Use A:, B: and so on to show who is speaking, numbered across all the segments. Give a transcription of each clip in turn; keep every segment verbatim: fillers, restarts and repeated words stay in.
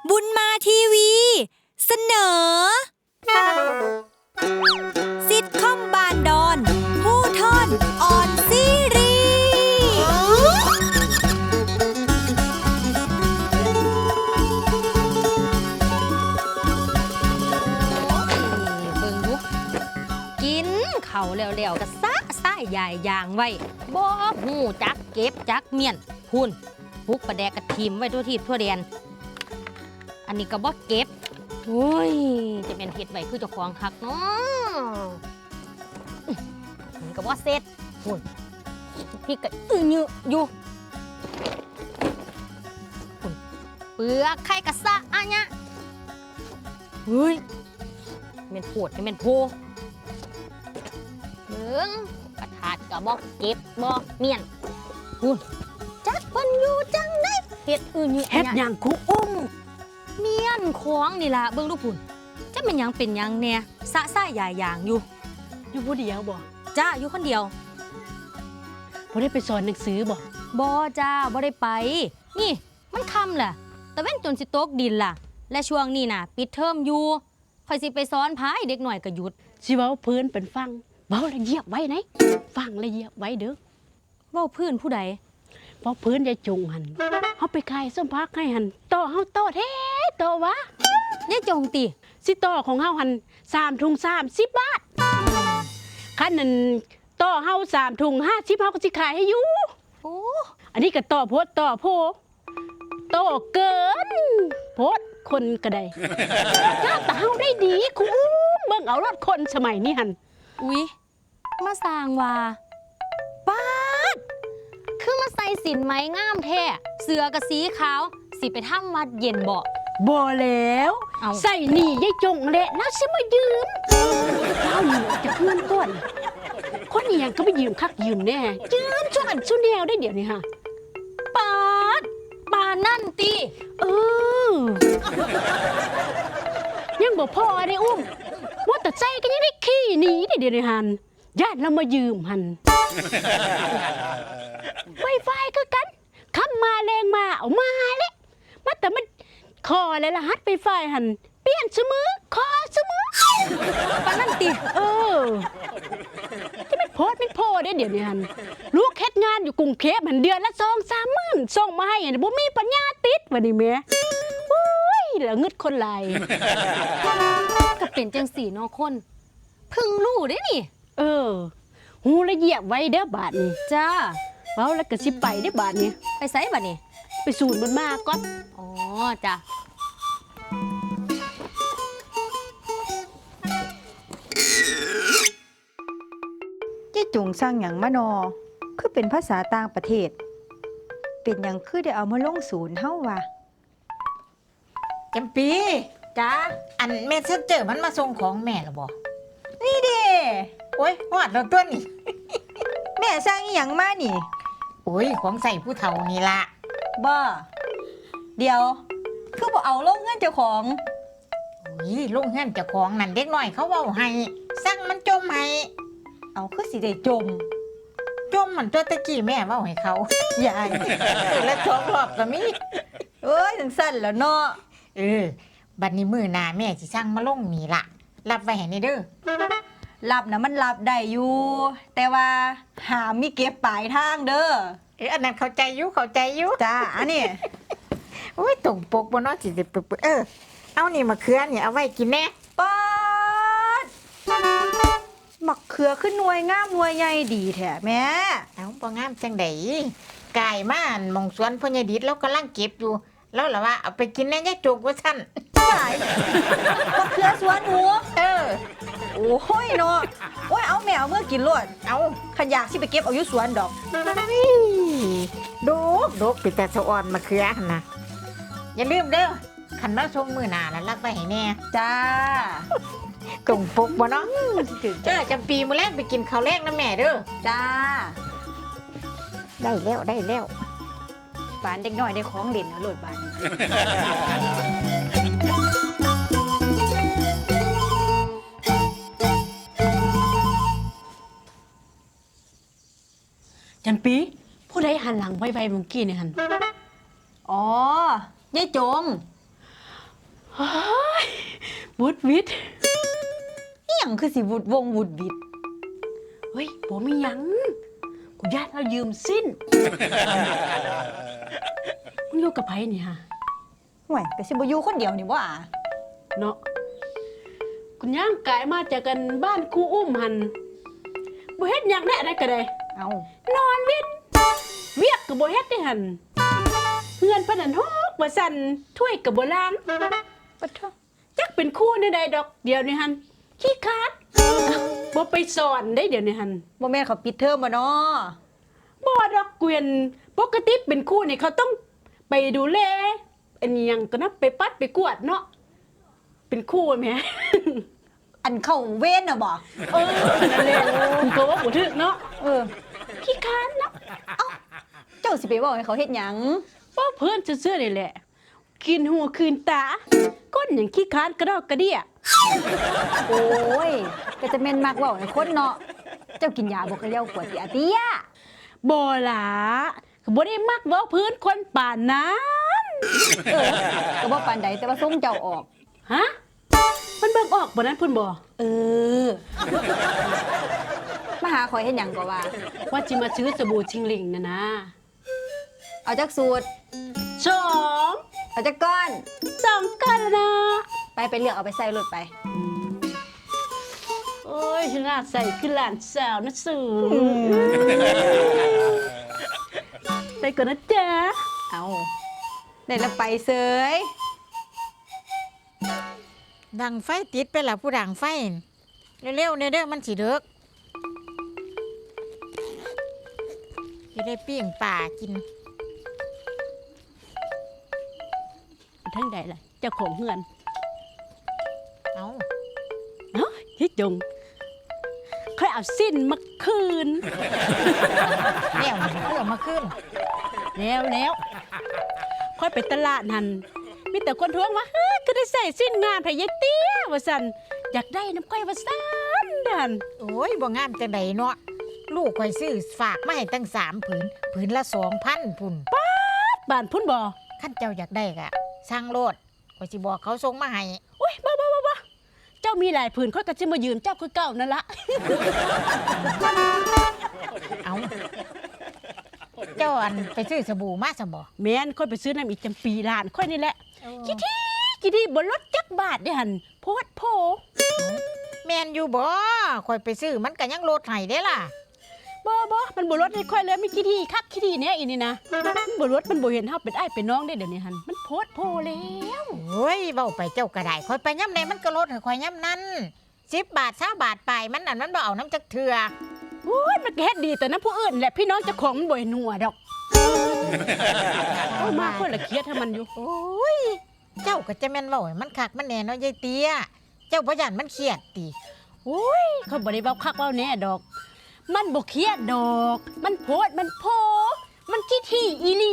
A: บุญมาทีวีเสนอซิทคอมบานดอนผู้ทอนออนซีรีเบิ่งดูกินเข่าแล้วๆก็ซะซ่ายใหญ่ยางไว้บ่หูจักเก็บจักเมียนหุ่นปุกประแดกกระทิมไว้ทั่วทิศทั่วแดนอันนี้ก็บ่เก็บโอ้ยจะเป็นเห็ดไว้คือเจ้าของคักเนาะอันนี้ก็บ่เสร็จหุ่นพี่ก็อื้อยืออยู่หุ่นเปลือกไข่กระซะอะเนี่ยเฮ้ยเม็นโผดเม็นโพเบิ่งกระถาดก็บ่เก็บบ่เมียนหุ่นจักเพิ่นอยู่จังได๋เฮ็ดอื้อยือ
B: เฮ็ดหยังคุอุ้ม
A: เมียนของนี่ล่ะเบิ่งดูพุ่นจะเป็นหยังเป็นหยังแน่สะซ่ายายยางอยู่
B: อยู่ผู้เดียวบ่
A: จ้าอยู่คนเดียว
B: บ่ได้ไปสอนหนังสือบ่
A: บ่จ้าบ่ได้ไปนี่มันค่ำล่ะตะเว้นจนสิตกดินล่ะและช่วงนี้น่ะปิดเทอมอยู่ค่อยสิไปสอนพายเด็กหน่อยก็หยุด
B: สิเว้าเพิ่นเป็นฟังเว้าละเหยียบไว้ไหนฟังละเหยียบไว้เด้อ
A: เว้าพื้นผู้ใด
B: เพราะเพิ่นจะจงหั่นเฮาไปขายส้มพักให้หั่นต่อเฮาต่อแท้ต่อวะ
A: ยายจงติ
B: สิต่อของเฮาหั่นสามถุงสามสิบบาทคันนั้นต่อเฮาสามถุงห้าสิบเฮาก็สิขายให้อยู่
A: โอ้
B: อันนี้ก็ต่อโพดต่อโพต่อเกินโพดคนก็ได้หน้าตาเฮาได้ดีคุณเบิ่งเอารถคนสมัยนี้หั่น
A: อุ๊ยมาสร้างว่าป๊าดคือมาใส่สินไหมงามแท้เสื้อกับสีขาวสิไปทำวัดเย็นบ่
B: บ่แล้วใส่นี่ยายจงแหละแล้วสิมายืมเอาหนีจะเพื่อนก่อนคนนี้ยังก็ไปยืมคักยืมแน่ยืมช่วยกันสู้แนวได้เดี๋ยวนี้ฮะ
A: ปาดปานั่นติ
B: เออยังบ่พอได้อุ้มว่าแต่ใจก็ยังได้ขี้หนีได้เดี๋ยวนี้หันญาติเรามายืมหันไวไฟก็กันคำมาแรงมาเอามาเลยมาแต่มันคอเลยละฮัดไวไฟหันเปลี่ยนเสมอคอเสมอ
A: ปานั่นติ
B: เออที่มันโพสมันโพได้เดี๋ยวนี้หันลูกเฮ็ดงานอยู่กรุงเทพหันเดือนละสองสามหมื่นส่งมาให้บ่มีปัญญาติดวันนี้แม่โอ้ยแล้วงึดคนไหล
A: ก็เป็นจังสี่เนาะคนพึ่งรู้ได้นี่
B: เออหูละเหยียบไว้เด้อบาดนี้
A: จ้า
B: เว้าแล้วก็สิไปเด้อบาดนี้
A: ไปไสบัดนี้
B: ไปศูนย์บุญมาก่อน
A: อ๋อจ้ะ
C: เจ๊จุงสร้างหยังมานอคือเป็นภาษาต่างประเทศเป็นหยังคือได้เอามาลงศูนย์เฮาวะ
D: จำปีจ้าอันเมสเซนเจอร์มันมาส่งของแม่หรอบ่
C: นี่เด้
D: โอ้ยฮอดแล้วตัวนี่
C: แม่สร้างอีหยังมานี่
D: โอ้ยของใส่ผู้เฒ่านี่ล่ะ
C: บ่เดี๋ยวคือบ่เอาลงเงินเจ้าของ
D: โอ้ยลงเงินเจ้าของนั่นเด็กน้อยเขาเว้าให้สั่งมันจมให้
C: เอาคือสิได้จม
D: จมมันตัวตะกี้แม่เว้าให้เขา
C: ยาย
D: แล้วสองรอบก็มี
C: เอ้ยจังซั่นแล้วเนาะ
D: เออบัดนี้มื้อหน้าแม่สิสั่งมาลงนี่ล่ะรับไว้ให้นี่เด้อ
C: รับนะมันรับได้อยู่แต่ว่าหามีเก็บปลายทางเด้อ
D: เอออันนั้นเข้าใจอยู่เข้าใจอยู่
C: จ้าอันนี้
D: โอ้ยตรงปกบ่เนาะสิสิปึ๊บเออเอานี่มะเขือนี่เอาไว้กินแน่
C: ป๊าดมะเขือขึ้นหน่วยงามหน่วยใหญ่ดีแท้แม่
D: เอ้าบ่งามจังได๋กายมาอันมองสวนพ่อใหญ่ดิษแล้วกำลังเก็บอยู่แล้วล่ะว่าเอาไปกินแน่ยายจกว่าซั่น
C: ตายมะเขือสวนหนู
D: เออ
C: โอ้ยเนาะโอ้ยเอาแมวเมื่อกินรวด
D: เอา
C: ขยากสิไปเก็บเอาอยู่สวนดอก
D: ดกดกปิดแต่สะอ่อนมะเขือหั่นน่ะอย่าลืมเด้อคันมาส่งมื้อหน้านั้นรับไว้ให้แน่
C: จ้า
D: ตรงปกบ่เนาะเจ้าจำปีมื้อแรกไปกินข้าวแรกนะแม่เด้อ
C: จ้า
D: ได้แล้วได้แล้ว
C: บ้านเด็กน้อยได้ของเด่นนะโลดบ้าน
B: จำปีผู้ใดหันหลังไวๆเมื่อกี้นี่หัน
C: อ๋อยายจง
B: เฮ้ยวุดวิด
C: อีหยังคือสิวุดวงวุดวิด
B: เฮ้ยบ่มีหยังกูญาติเรายืมสิ้นมึงอยู่กับไผนี่ฮะ
C: ห่วยก็สิบ่อยู่คนเดียวนี่บ่อ่ะ
B: เนาะคุณย่างกายมาจากกันบ้านครูอุ้มหันบ่เฮ็ดหยังได้อะไรก็ได้
C: เอา
B: นอนเวียนเวียกก็บ่เฮ็ดได้หันเฮือนปานนั้นฮอกว่าสั่นถ้วยก็บ่ล้าง
C: ปะโท
B: จักเป็นครูในใดดอกเดี๋ยวนี้หันขี้คร้าดบ่ไปสอนได้เดี๋ยวนี้หัน
C: บ่แม่นเขาปิดเทอมบ่เนาะ
B: บ่ดอกเกวียนปกติเป็นครูนี่เขาต้องไปดูแลอันนี้หยังก็นะไปปัดไปกวาดเนาะเป็นครูแหม
C: อันเข้าเว้นน่ะบ่
B: เออนั่นแหละคุณก็ว่าบ่ถึกเนาะ
C: เออ
B: ขี้คร้านเนาะ
C: เจ้าสิไปเว้าให้เขาเฮ็ดหยัง
B: ว่าเพื่อนซื่อๆนี่แหละ กินหัวคืนตา ก้นอย่างขี้คร้านกระดอกกระเดี่ย
C: โอ้ยก็จะแม่นมักเว้าให้คนเนาะเจ้ากินยาบ่กะเลี้ยวกวดติอาเตีย
B: บ่ล่ะก็บ่ได้มักเว้าพื้นคนป่านนั้น
C: เออก็บ่ปานใดแต่ว่าส่งเจ้าออก
B: ฮะมันเบิ่งออกบ่นั้นเพิ่นบ่
C: เออ มาหาข่อยเฮ็ดหยังก็ว่า
B: ว่าสิมาซื้อสบู่ชิงหลิงน่ะนะ
C: เอาจักสูตร
B: สอง
C: เอาจักก้อน
B: สองกันแล้วนะ
C: ไปไปเลือกเอาไปใส่รถไป
B: โอ้ยฉันน่าใส่คือหลานสาวนะสูไปก่อนนะจ๊ะ
C: เอาได้แล้วไปเสย
D: ดังไฟติดไปละผู้ดังไฟเร็วๆเนี่ยเด้อมันสิเด้อจะได้ปิ้งป่ากิน
B: ทั้งใดล่ะเจ้าของเฮือน
D: เอา
B: เนาะที่จงค่อยเอาสิ้นมาคืน
D: แล้วเพื่อมาขึ้น
B: แล้วแล้วค่อยไปตลาดหันมีแต่คนท้วงว่าเฮ้ยก็ได้ใส่สิ้นงานพยายเตี้ยว่าสันอยากได้น้ำก้อยว่าสันดัน
D: โอ้ยบ่งามจังไดเนาะลูกข่อยซื้อฝากมาให้ตั้งสามผืนผืนละสองพันพุ่น
B: บ้านพุ่นบ่
D: ขั้นเจ้าอยากได้กะสร้างโลดข่อยสิบอกเขาส่งมาให้
B: โอ้ยบ้าบ้าบ้าบ้าเจ้ามีหลายผืนค่อยก็จะมายืมเจ้าคือเก่านั่นละ
D: เอาเจ้าอันไปซื้อสบู่มาซะบ่
B: แม่นค่อยไปซื้อน้ำอีกจำปีล้านค่อยนี่แหละกี่ที่กี่ที่บนรถจักบาทเด้หันโพดโพ
D: แม่นอยู่บ่ข่อยไปซื้อมันก็ยังโลดให้เด้ล่ะ
B: บ่บ่มันบ่รถให้ค่อยเลยมีกี่ที่คักกี่ที่เนี่ยอีนี่นะมันบ่รถมันบ่เห็นเฮาเป็นอ้ายเป็นน้องได้เดี๋ยวนี้หันมันโพดโพแล้ว
D: โอ้ยเว้าไปเจ้าก็ได้ข่อยไปย่ำใดมันก็ลดให้ข่อยย่ำนั้นสิบบาทสามบาทไปมันนั่นมันบ่เอาน้ำจักเทื่อ
B: โอ้ยมันก็เฮ็ดดีแต่น้ำผู้อื่นแหละพี่น้องเจ้าของมันบ่เห็นหัวดอกโอ้ยมาคนละเครียดให้มันอยู่
D: โอ้ยเจ้าก็จะแม่นเว้าให้มันคักมันแน่เนาะยายเตี้ยเจ้าบ่ย่านมันเครียดติ
B: โอ้ยเขาบ่ได้เว้าคักเว้าแน่ดอก มันบ่เครียดดอก มันโพดมันโพ มันขี้ที่อีหลี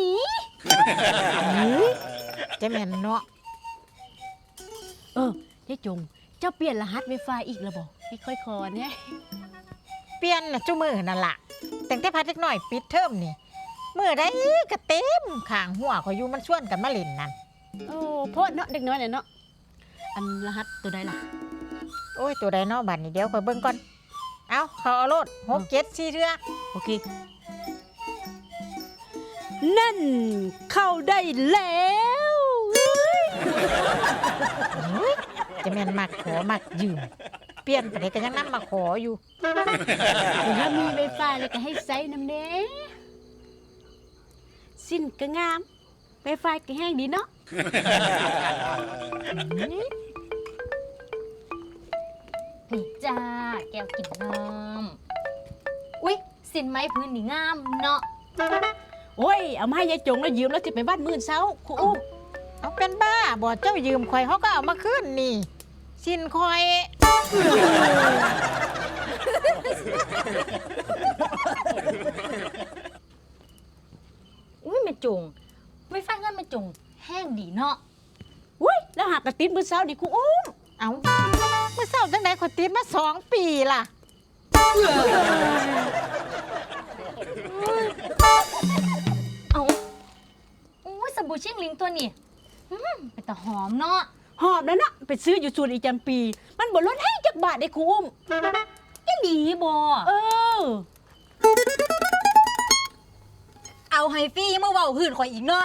D: จะแม่นเนาะ
B: เออเจ๊จง เจ้าเปลี่ยนรหัส Wi-Fi อีกแล้วบ่ไม่ค่อยคอเนี่ย
D: เปลี่ยนน่ะจุมื้อนั่นล่ะแต่งแต่พัดเล็กน้อยปิดเทอมนี่มื้อใดก็เต็มข้างหัวข่อยอยู่มันชวนกันมาเล่นนั่น
B: โอ้โพดเนาะเด็กน้อยเนี่ยเนาะ อันรหัสตัวใดล่ะ
D: โอ้ยตัวใดเนาะบัดนี้เดี๋ยวข่อยเบิ่งก่อนเอาเขาเอาโลดหกเจ็ดสี่เทื่อ
B: โอเค นั่นเข้าได้แล้ว
D: จะแม่นมักขอมักยืมเปลี่ยนไปได้ก็ยังนำมาขออยู่
B: ถ้ามี Wi-Fi เลยก็ให้ใช้น้ำเด้สิ้นก็งาม Wi-Fi ก็แห้งดีเนาะ
A: นี่จ้าแก้วกินน้ำอุ๊ยสินไม้พื้นนี่งามเนาะ
B: โอ้ย เอามาให้ยายจงแล้วยืมแล้วจะไปบ้านมื่นเช้าครูอุ้ม
D: เอาเป็นบ้าบ่เจ้ายืมข่อยเขาก็เอามาคืนนี่ สินข่อย
A: อุ้ยแม่จงไว้ฟังเงินแม่จงแห้งดีเนาะ
B: อุ้ย แล้วหากกระตินมื่นเช้านี่ครูอุ้ม
D: เอาเมื่อเศร้าจังไหนข่อยติดมาสองปีล่ะ
A: เอาอุ้ยสบู่ชิ่งลิงตัวนี้อืมเป็นแต่หอมเนาะ
B: หอบนั่นน่ะไปซื้ออยู่ศูนย์อีจำปี มันบ่ลดให้จักบาทได้ครูอุ้ม
A: อีหลีบ่
B: เออ
A: เอาให้ฟรียังมาเว้าหื่นข่อยอีกเนาะ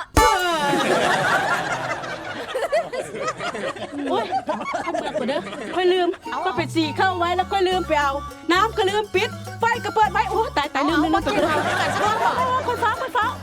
B: โอ้ยเอาเปิดก่อนเด้อค่อยลืมก็ไปสีเข้าไว้แล้วค่อยลืมไปเอา น้ำก็ลืมปิด ไฟก็เปิดไว้ โอ้ตายตายลืมลืมลืมไปเลยคนฟ้าคนฟ้า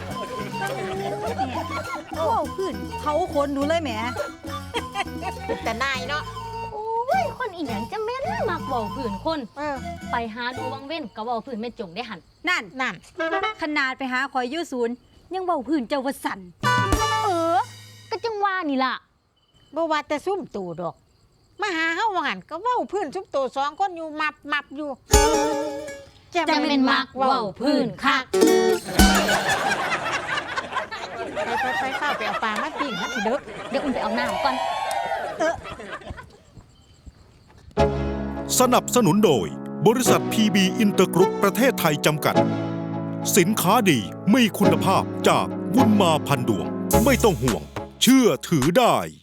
C: โอ้ขึ้นเขาคนหนูเลยแหม
D: แต่นายเนาะ
A: โอ้ยคนอีหยังจะแม่นมักเว้าหื่นคน
D: เออ
A: ไปหาดูวังเว้นก็เว้าหื่นแม่จงได้หัน
C: นั่น
D: นั่น
C: ขนาดไปหาคอยอยู่ศูนย์ยังเว้าพื้นเจ้าว่าสั่น
A: เออ ก็จังว่านี่ล่ะ
D: บ่ว่าแต่ซุ่มตู่ดอก มาหาเฮาว่าหั่นก็เว้าพื้นซุ่มตู่สองคนอยู่มับมับอยู่
A: จะเป็นมักเว้าพื้นคัก
D: ไปไปไปข้าวไปเอาปลามาปิ้งมันสิเด้อ
A: เดี๋ยวอุ่นไปเอาน้ำก่อน
E: สนับสนุนโดยบริษัท พี บี อินเตอร์กรุ๊ปประเทศไทยจำกัด สินค้าดีมีคุณภาพจากบุญมาพันดวง ไม่ต้องห่วง เชื่อถือได้